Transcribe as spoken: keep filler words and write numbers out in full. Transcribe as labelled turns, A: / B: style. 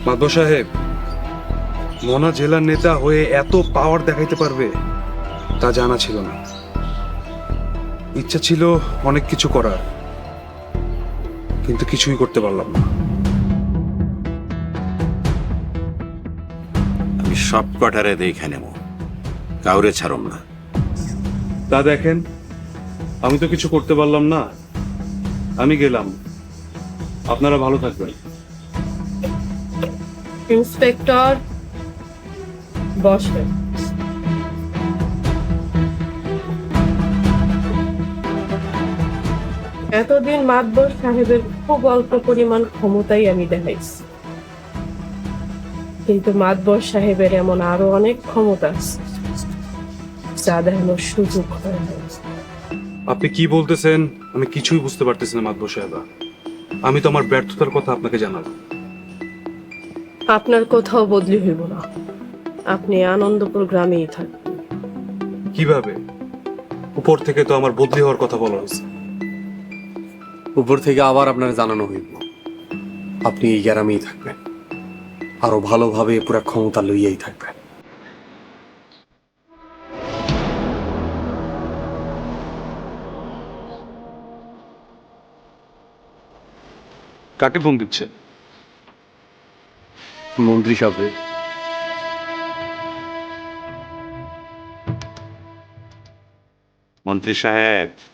A: মাদব সাহেব, মনা জেলার নেতা হয়ে এত পাওয়ার দেখাইতে পারবে তা জানা ছিল না। ইচ্ছা ছিল অনেক কিছু করার, কিন্তু কিছুই করতে পারলাম না।
B: আমি সব কটারে দেখে নেব, কাউরে ছাড়ম না।
A: তা দেখেন, আমি তো কিছু করতে পারলাম না, আমি গেলাম। আপনারা ভালো থাকবেন।
C: ইন্সপেক্টর বসেন। এতদিন মাতবর সাহেবের খুব অল্প পরিমাণ ক্ষমতাই আমি দেখাইছি, কিন্তু মাতবর সাহেবের এমন আরো অনেক ক্ষমতা আছে যা দেখানোর সুযোগ হয় না।
A: আপনি কি বলতেছেন আমি কিছুই বুঝতে পারতেছি না মাদব সাহেব। আমি তো আমার ব্যর্থতার কথা আপনাকে জানালাম।
C: আপনার কোথাও বদলি হইব না, আপনি আনন্দপুর গ্রামেই থাকবেন।
A: কিভাবে? উপর থেকে তো আমার বদলি হওয়ার কথা বলা হয়েছে।
D: উপর থেকে আবার আপনার জানানো হইব আপনি এই গ্রামেই থাকবেন, আরো ভালোভাবে পুরা ক্ষমতা লইয়াই থাকবেন।
A: কাকে ফোন দিচ্ছে?
D: মন্ত্রী সাহেব।
B: মন্ত্রী সাহেব,